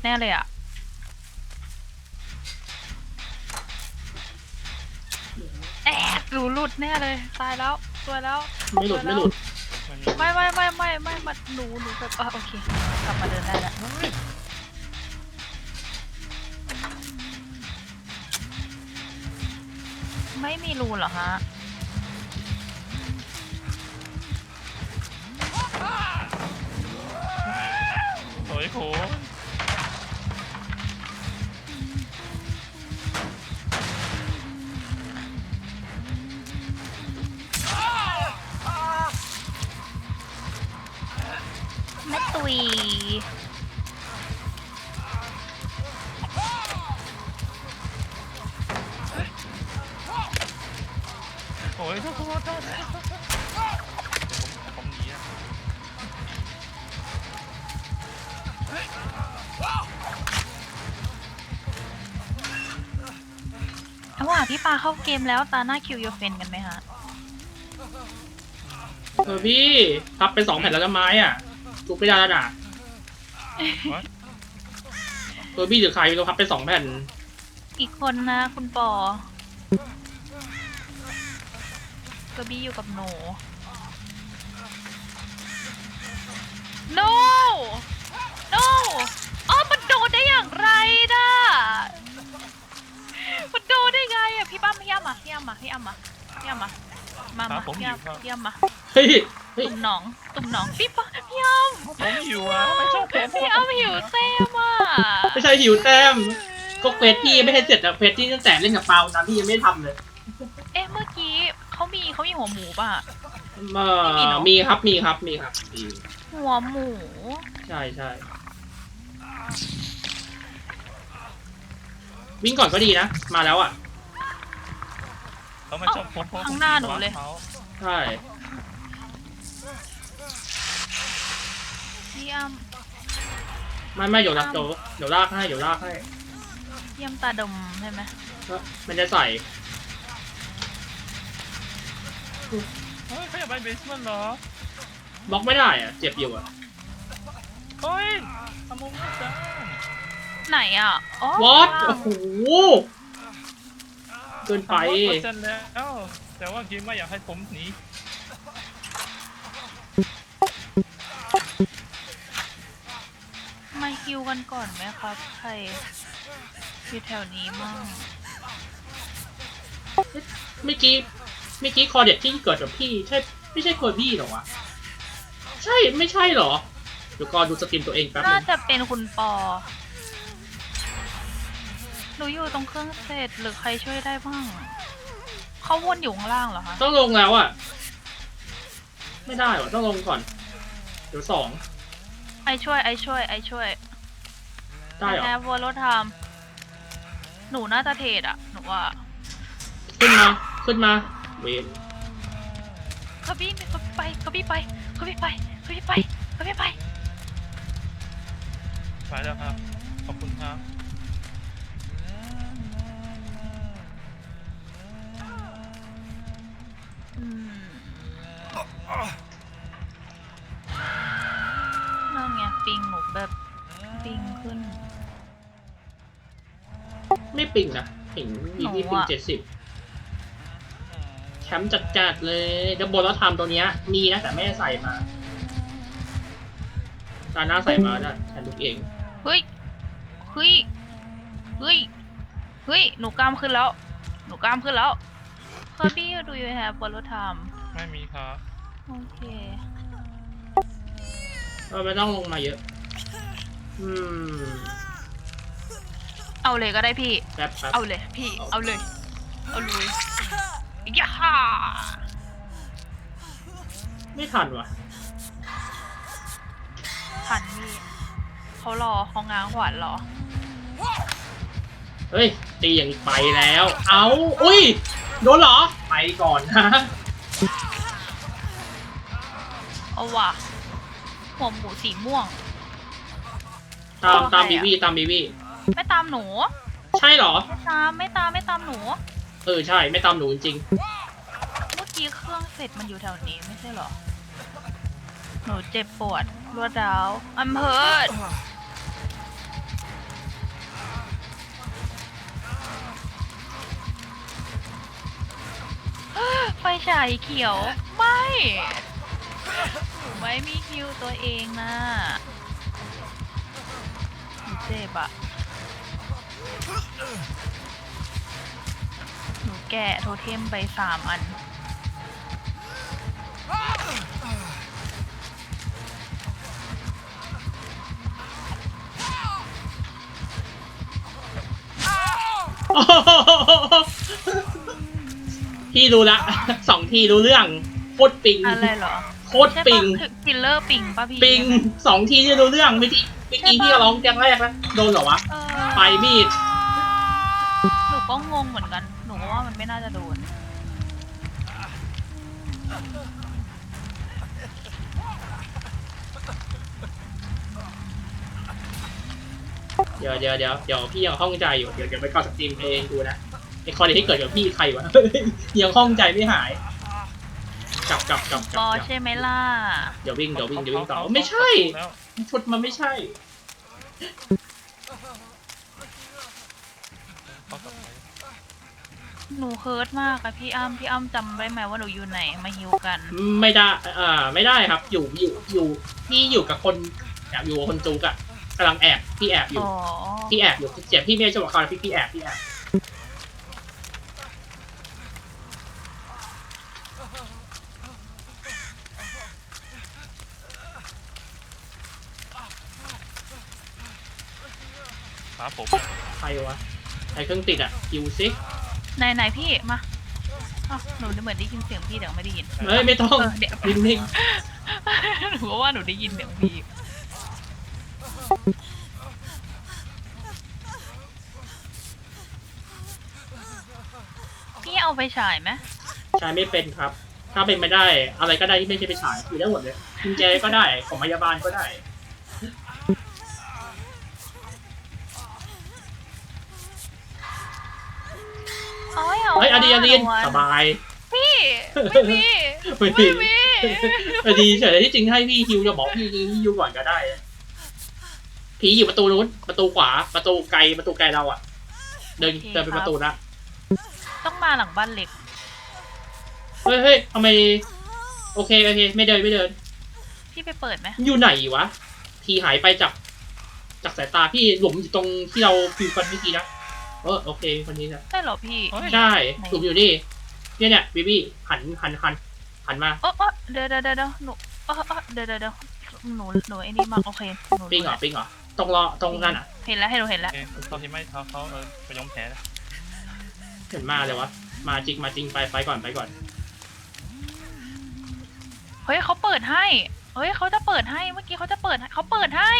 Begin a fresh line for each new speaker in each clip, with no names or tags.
แน่เลยอะหนูหลุดแน่เลยตายแล้วสวยแล้ว
ไม่หลุดไม่หลุด
ไม่มันหนูแบบโอเคกลับมาเดินได้แล้วไม่มีรูเหรอฮะ
โอ้ยโห
แม่ตุย
โอ้ยโทษผมหนีอะ
เอาว่าพี่ปาเข้าเกมแล้วตาหน้าคิวโยเฟนกันไหมฮะ
พี่พับไป2 แผ่นแล้วนะไม้อ่ะจุกไม่ได้แล้วน่ะพี่หรือใครเราพับไป2 แผ่น
อีกคนนะคุณปอก็บี้อยู่กับหนู no no มันโดนได้อย่างไรนะมันโดนได้ไงอะพี่ป้าพี่อ้ำมามาพี่อ้ำมาพี่อ้ำมา
เฮ้ย
ตุ่มหนองพี่ป้าพี่อ้ำ
ผมหิวอ่ะไม่ชอบผม
พี่อ้ำหิวเต้มอ่ะ
ไม่ใช่หิวแต้มก็เควสพี่ไม่ให้เสร็จอะเควสที่ตั้งแต่เล่นกับเปาตอนที่ยังไม่ทำเลย
เมื่อกี้เขามีหัวหมูป่ะ
มีครับ
หัวหมู
ใช่วิ่งก่อนก็ดีนะมาแล้วอ่ะ
เขาไม่ชอบผม
ข้างหน้าหนูเลย
ใช่
พี่อ้ำ
ไม่เดี๋ยวลากให้
พี่อ้ำตาดำใช่ไหม
มันจะใส่
เฮ้ยเขาอยากไปเบสเมนต์เหรอบ
ล็อกไม่ได้อ่ะเจ็บอยู่อ่ะ
เฮ้ยทำมุมไม่ได้
ไหนอ่ะ
วอตโอ้โหเกินไป
100%แล้วแต่ว่ากิมไม่อยากให้ผมหนี
มาฮิวกันก่อนไหมครับใครอยู่แถวนี้มั่ง
เมื่อกี้คอเด็ดที่เกิดกับพี่ใช่ไม่ใช่คอพี่หรอวะใช่ไม่ใช่หรอเดี๋ยวก่อนดูสตรีมตัวเองแป๊บนึ
น่าง จะเป็นคุณปอหนูอยู่ตรงเครื่องเสร็จหรือใครช่วยได้บ้างเขาวนอยู่ข้างล่างเหรอคะ
ต้องลงแล้วอ่ะไม่ได้หรอต้องลงก่อนเดี๋ยว2
ไอช่วย
ได้หรอ
แอบวอลรถทำหนูน่าจะเทรดอะหนูว่า
ขึ้นมาเวท
เขาพี่ไป
แล้วครับขอบคุณครับ
นั่นไงปิงหนูแบบปิงขึ้น
ไม่ปิงนะปิงมีที่ปิง70แชมป์จัดเลยดับเบิลแล้วทำตัวเนี้ยมีนะแต่ไม่ได้ใส่มาตาหน้าใส่มาได้แทนลูกเอง
เฮ้ยหนูกล้ามขึ้นแล้วพี่ดูยูแฮปบอลรถทำ
ไม่มีครับ
โอเค
ไม่ต้องลงมาเยอะ
เอาเลยก็ได้พี่
แป๊บ
เอาเลยพี่เอาเลยย่าฮ่า
ไม่ทันว่ะ
ทันพี่เขาง้างขวานรอ
เฮ้ยตีอย่างไปแล้วเอาอุ้ยโดนเหรอไปก่อนนะ
เอาว่ะหัวหมูสีม่วง
ตามบีวี
ไม่ตามหนู
ใช่เหรอ
ไม่ตามหนู
ใช่ไม่ตามหนูจริง
เมื่อกี้เครื่องเสร็จมันอยู่แถวนี้ไม่ใช่เหรอหนูเจ็บปวดรวดร้าวI'm hurt ฉายเขียวไม่หนูไม่มีคิวตัวเองนะหนูเจ็บอะหนูแกะโทเทมไป3 อัน
พี่รู้ละ 2 ทีรู้เรื่องโคตรปิง
อะไรเหรอ
โคตรปิง
คิลเลอร์ปิงป่ะพี่
ปิง 2 ทีที่รู้เรื่องเมื่อกี้พี่ก็ร้องแกงแรกแล้วโดนเหรอวะ
เออ
ไปมีด
หนูก็งงเหมือนกัน หนูก็ว่ามันไม่น่าจะโดน
เดี๋ยวพี่ยังข้องใจอยู่เดี๋ยวไปก่อสตรีมเองดูนะไอคอนที่เกิดกับพี่ใครวะ ยังข้องใจไม่หายกลับ
บอใช่ไหมล่ะ
เดี๋ยววิ่งต่อไม่ใช่ชุดมันไม่ใช่
เขาต่อไป
หนูเฮิร์ตมากอะพี่อ้ำจำได้ไหมว่าหนูอยู่ไหนมาฮิวกัน
ไม่ได้ไม่ได้ครับอยู่พี่อยู่กับคนแอบอยู่กับคนจูกอะกำลังแอบพี่แอบอยู่
อ๋อ
พี่แอบอยู่เจ็บพี่ไม่ใช่จังหวะเขาพี่แอบ
ครับผม
ใครวะใครเครื่องติดอะคิวซิ
ไหนพี่มาอ้าวหนูเหมือนได้ยินเสียงพี่แต่ไม่ได้ยิน
เฮ้ยไม่ต้อง
เดี๋ยว
นิ่ง
หนูก็ว่าหนูได้ยินเสียงพี่พี่เอาไปฉายไหม
ๆใช้ไม่เป็นครับ ถ้าเป็นไม่ได้อะไรก็ได้ที่ไม่ใช่ไปฉายอยู่ได้หมดเลยกุญแจก็ได้ของพยาบาลก็ได้
เอ้ย
เฮ้ยอดีนสบาย
พี่ไม่มี
ไม่มี อดีเฉยที่จริงให้พี่ฮิวจะบอกพี่ฮิวก่อนก็ได้ผีอยู่ประตูนู้นประตูขวาประตูไกลเราอะเดินไปประตูละ
ต้องมาหลังบ้านเล็ก
เฮ้ยทำไมโอเคไม่เดิน
พี่ไปเปิดไหม
อยู่ไหนวะทีหายไปจากสายตาพี่หลุมอยู่ตรงที่เราฟิวกันเมื่อกี้นะโอเคคนนี้นะ
ใช่เหรอพี่
ใช่หลุมอยู่นี่เนี่ยบีบี้หันมา
โอ้เดี๋ยวหนูเดี๋ยวหนูไอ้นี่มากโอเคหนู
ปิงเหรอตรงนั้นอ่ะ
เห็นแล้วให้หนูเห็น
โอ
แล้ว
เคเขาที่ไม่เขาไปยอมแพ้แล้ว
เห็นมาเลยวะมาจริงไปก่อน
เฮ้ยเขาเปิดให้เฮ้ยเขาจะเปิดให้เมื่อกี้เขาจะเปิดให้เขาเปิดให้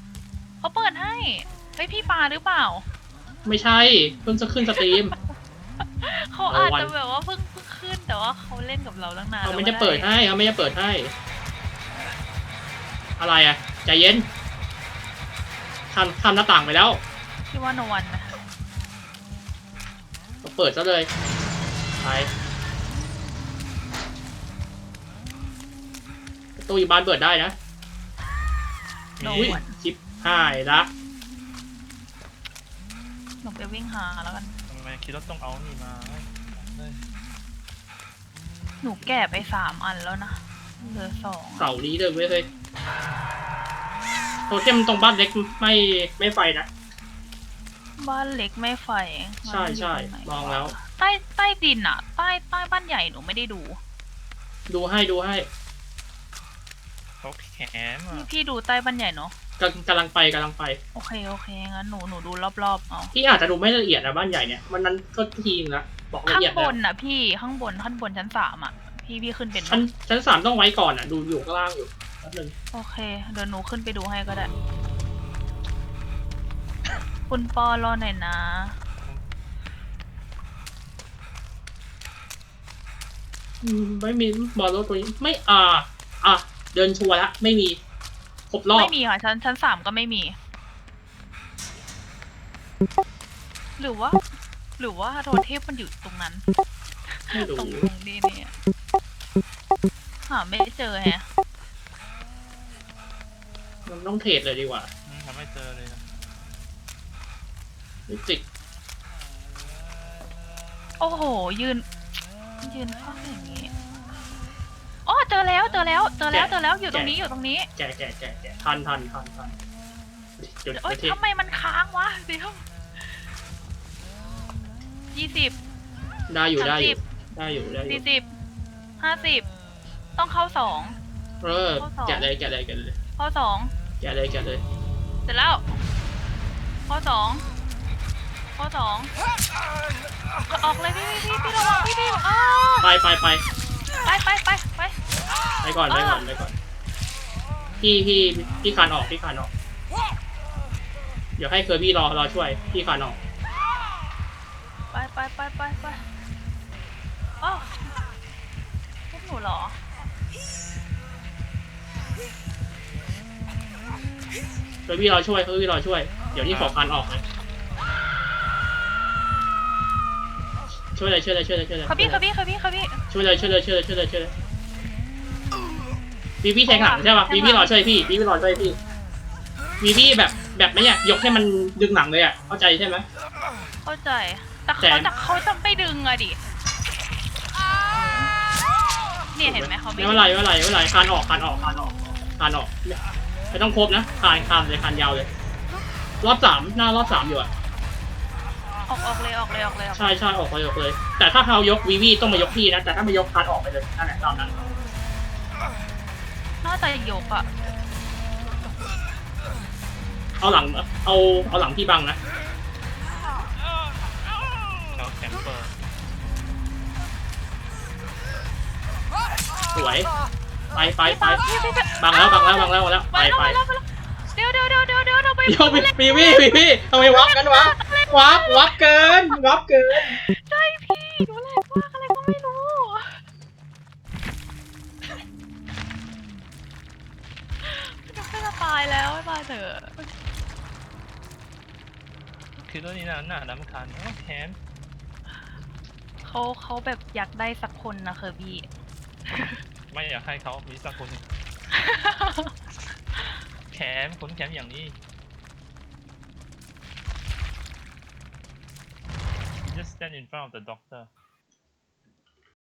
เฮ้ยพี่ปาหรือเปล่า
ไม่ใช่เพิ่งจะขึ้นสตรีม
เขาอาจจะแบบว่าเพิ่งขึ้นแต่ว่าเขาเล่นกับเราตั้งนาน
เขาไม่ได้เปิดให้อะไรอ่ะใจเย็นทำหน้าต่างไปแล้ว
พี่ว่าโนวันนะ
ก็เปิดซะเลยไปประตูอยู่บ้านเปิดได้นะ
โน
อุ้ย
วัน
ชิปหายละ
หนูไปวิ่งหาแล้วกัน
ทำไมคิดว่าต้องเอานี่มา
หนูแก่ไป3 อันแล้วนะเหลือ2
เสานี้เลยเว้ยเฮ้ยโทเทมตรงบ้านเล็กไม่ไฟนะ
บ้านเล็กไม่ไฟ
ใช่มองแล้ว
ใต้ดินอะใต้บ้านใหญ่หนูไม่ได้ดู
ดูให้
เขาแขนอ่ะ
พี่ดูใต้บ้านใหญ่เนาะ
กำลังไป
โอเคงั้นหนูดูรอบๆเอา
พี่อาจจะดูไม่ละเอียดนะบ้านใหญ่เนี่ยมันนั้นก็ทีนึงละบอกละ
ข้าง
เอียด
บ
แล้ว
นอะพี่ข้างบนชั้น3อะพี่ขึ้นเป็นปะ
ชั้น3ต้องไว้ก่อนอ่ะดูอยู่ข้างล่างอยู่แป๊บนึง
โอเคเดี๋ยวหนูขึ้นไปดูให้ก็ได้ คุณปอรอหน่อยนะ
ไม่มีบอลรถตัวนี้ไม่เดินชัวร์ละไม่มีครบรอบ
ไม่มีค่ะชั้น3ก็ไม่มี หรือว่าโทเทพมันอยู่ตรงนั้น
ไม่
ตร
รู้
งนี้เนี่ยหาไม่เจอแฮะ
มันต้องเทรดเลยดีกว่า
ทำไม่เจอเลยนะ
มิจิก
โอ้โหยืนยืนข้ออย่างนี้อ๋อเจอแล้วอยู่ตรงนี้อยู่ตรงนี้
แกะทันเดี๋ยว
โอ๊ย
เดี๋ยว
ทำไมมันค้างวะเดี๋ยว20
ได้อยู่
30 40 50ต้องเข้า2
เออ
ข้อสอง
แกะเลย
ข้อ2
แกะเลย
เสร็จแล้วข้อ2ออกเลยพี่ระวังพี่อ้าว
ไป
ไป
ไปก่อนพี่คานออกเดี๋ยวให้เคอร์บี้รอช่วยพี่คานออก
ไปอ้าวพวกหนูเหรอ
เคอร์บี้รอช่วยเดี๋ยวนี่ขอคานออกเลยช่วยเลย
เขาพี่
ช่วยเลยพี่แทงหลังใช่ป่ะพี่รอช่วยพี่พี่แบบไม่เนี่ยยกให้มันดึงหลังเลยอ่ะเข้าใจใช่ไหม
เข้าใจแต่เขาจะไม่ดึงอะดิเนี่ยเห็นไหมเขาไม่
ไม่เป็นไรคานออกไม่ต้องครบนะคานเลยคานยาวเลยรอบ3หน้ารอบ3อยู่อ่ะ
ออกเลย
ใช่ออกเลยแต่ถ้าเขายกวีต้องมายกพี่นะแต่ถ้ามายกคานออกไปเลยนั่นแหละตามนั้น
น่าจะยกอะ
เอาหลังพี่บังนะ
เขาแคมเปอร์
สวยไป
พี่
บังแล้วไป
เดี๋ยวเราไป
โยพี่ทำไมวับกันวับเกิน
ใช่พี่หนูแหลกมากอะไรก็ไม่รู้จะตายแล้วมาเถอะ
คือตัวนี้น่าดำคันแขน
เขาแบบอยากได้สักคนนะเคอร์บี้
ไม่อยากให้เขามีสักคนแขนขนแขนอย่างนี้ just stand in front of the doctor